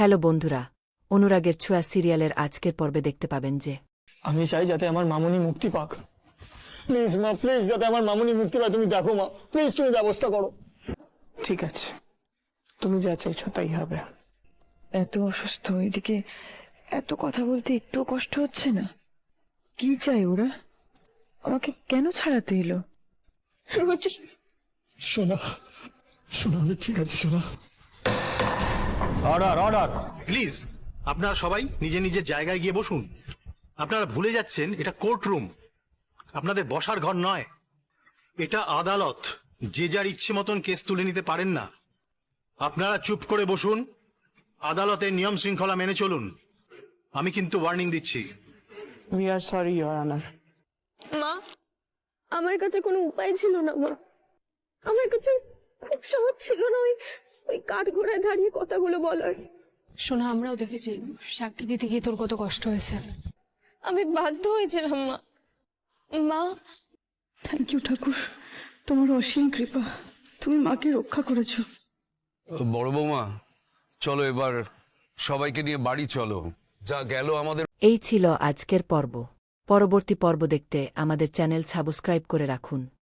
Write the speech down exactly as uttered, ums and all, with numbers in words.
Hello বন্ধুরা, অনুরাগের ছোঁয়া সিরিয়ালের আজকের পর্বে দেখতে পাবেন যে আমি চাই যাতে আমার মামুনি মুক্তি পাক। প্লিজ মা, প্লিজ, যাতে আমার মামুনি মুক্তি পায় তুমি দেখো মা, প্লিজ তুমি ব্যবস্থা করো। ঠিক আছে, তুমি যা চাইছো তাই হবে। এত অসুস্থ, এদিকে এত কথা বলতে একটুও কষ্ট হচ্ছে না? কি চাই ওরা? আমাকে কেন ছাড়াতে এলো? শোনা, শোনা, আমি ঠিক আছে শোনা। অর্ডার অর্ডার প্লিজ আপনারা সবাই নিজের নিজের জায়গায় গিয়ে বসুন। আপনারা ভুলে যাচ্ছেন এটা কোর্ট রুম, আপনাদের বসার ঘর নয়। এটা আদালত, যে যার ইচ্ছে মতন কেস তুলে নিতে পারেন না। আপনারা চুপ করে বসুন, আদালতের নিয়ম শৃঙ্খলা মেনে চলুন। আমি কিন্তু ওয়ার্নিং দিচ্ছি। We are sorry your honour. মা, আমার কাছে কোনো উপায় ছিল না মা। আমার কাছে খুব সহজ ছিল না ওই ওই কাঠ ঘোড়ায় দাঁড়িয়ে কথাগুলো বলার। শোনা, আমরাও দেখেছি সাক্ষী দিতে গিয়ে তোর কত কষ্ট হয়েছে। আমি বাধ্য হয়েছিলাম মা। মা, থ্যাংক ইউ ঠাকুর, তোমার অসীম কৃপা, তুমি মাকে রক্ষা করেছো। বড় বৌমা, চলো এবার সবাইকে নিয়ে বাড়ি চলো। যা গেল আমাদের। এই ছিল আজকের পর্ব। পরবর্তী পর্ব দেখতে আমাদের চ্যানেল সাবস্ক্রাইব করে রাখুন।